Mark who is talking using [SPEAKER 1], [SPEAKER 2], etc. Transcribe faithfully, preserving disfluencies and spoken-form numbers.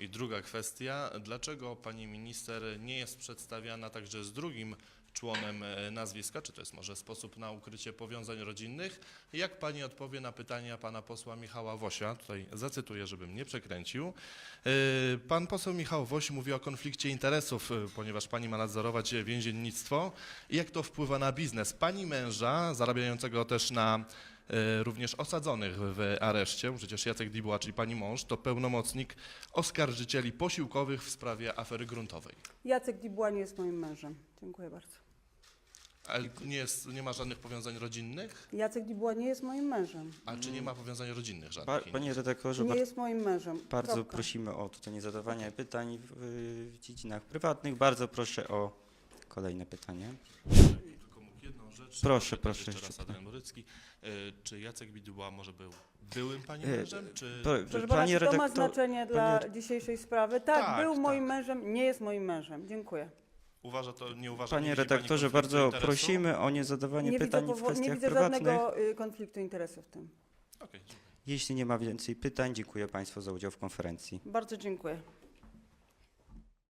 [SPEAKER 1] I druga kwestia, dlaczego pani minister nie jest przedstawiana także z drugim członem e, nazwiska, czy to jest może sposób na ukrycie powiązań rodzinnych? Jak pani odpowie na pytania pana posła Michała Wosia? Tutaj zacytuję, żebym nie przekręcił. E, Pan poseł Michał Woś mówi o konflikcie interesów, e, ponieważ pani ma nadzorować więziennictwo. I jak to wpływa na biznes pani męża, zarabiającego też na e, również osadzonych w areszcie, bo przecież Jacek Dibuła, czyli pani mąż, to pełnomocnik oskarżycieli posiłkowych w sprawie afery gruntowej.
[SPEAKER 2] Jacek Dibuła nie jest moim mężem. Dziękuję bardzo.
[SPEAKER 1] Ale nie, jest, nie ma żadnych powiązań rodzinnych?
[SPEAKER 2] Jacek Dibuła nie jest moim mężem.
[SPEAKER 1] A czy nie ma powiązań rodzinnych
[SPEAKER 3] Pa,
[SPEAKER 1] żadnych?
[SPEAKER 3] panie redaktorze,
[SPEAKER 2] Nie
[SPEAKER 3] bardzo,
[SPEAKER 2] jest moim mężem.
[SPEAKER 3] bardzo
[SPEAKER 2] Kropka.
[SPEAKER 3] prosimy o tutaj nie zadawanie pytań w, w dziedzinach prywatnych. Bardzo proszę o kolejne pytanie.
[SPEAKER 1] Tylko mógł jedną rzecz.
[SPEAKER 3] Proszę,
[SPEAKER 1] zapytać
[SPEAKER 3] proszę,
[SPEAKER 1] Jeszcze
[SPEAKER 3] jeszcze
[SPEAKER 1] raz
[SPEAKER 3] pytam.
[SPEAKER 1] Adrian Borycki. E, Czy Jacek Dibuła może był byłym pani
[SPEAKER 3] E,
[SPEAKER 1] mężem? Czy...
[SPEAKER 3] Pro,
[SPEAKER 2] Proszę pana,
[SPEAKER 3] panie
[SPEAKER 2] czy to ma
[SPEAKER 3] redaktor,
[SPEAKER 2] znaczenie dla
[SPEAKER 3] panie-
[SPEAKER 2] dzisiejszej sprawy? Tak,
[SPEAKER 1] Tak,
[SPEAKER 2] był
[SPEAKER 1] tak.
[SPEAKER 2] moim mężem, nie jest moim mężem. Dziękuję.
[SPEAKER 1] Uważa to, nie uważa nie
[SPEAKER 3] Panie
[SPEAKER 1] widzi pani
[SPEAKER 3] redaktorze,
[SPEAKER 1] konfliktu
[SPEAKER 3] bardzo
[SPEAKER 1] interesu?
[SPEAKER 3] prosimy o nie zadawanie
[SPEAKER 2] Nie widzę,
[SPEAKER 3] pytań w
[SPEAKER 2] powo- nie
[SPEAKER 3] kwestiach
[SPEAKER 2] widzę
[SPEAKER 3] prywatnych.
[SPEAKER 2] żadnego y, konfliktu interesów w tym.
[SPEAKER 1] Okej, dziękuję.
[SPEAKER 3] Jeśli nie ma więcej pytań, dziękuję Państwu za udział w konferencji.
[SPEAKER 2] Bardzo dziękuję.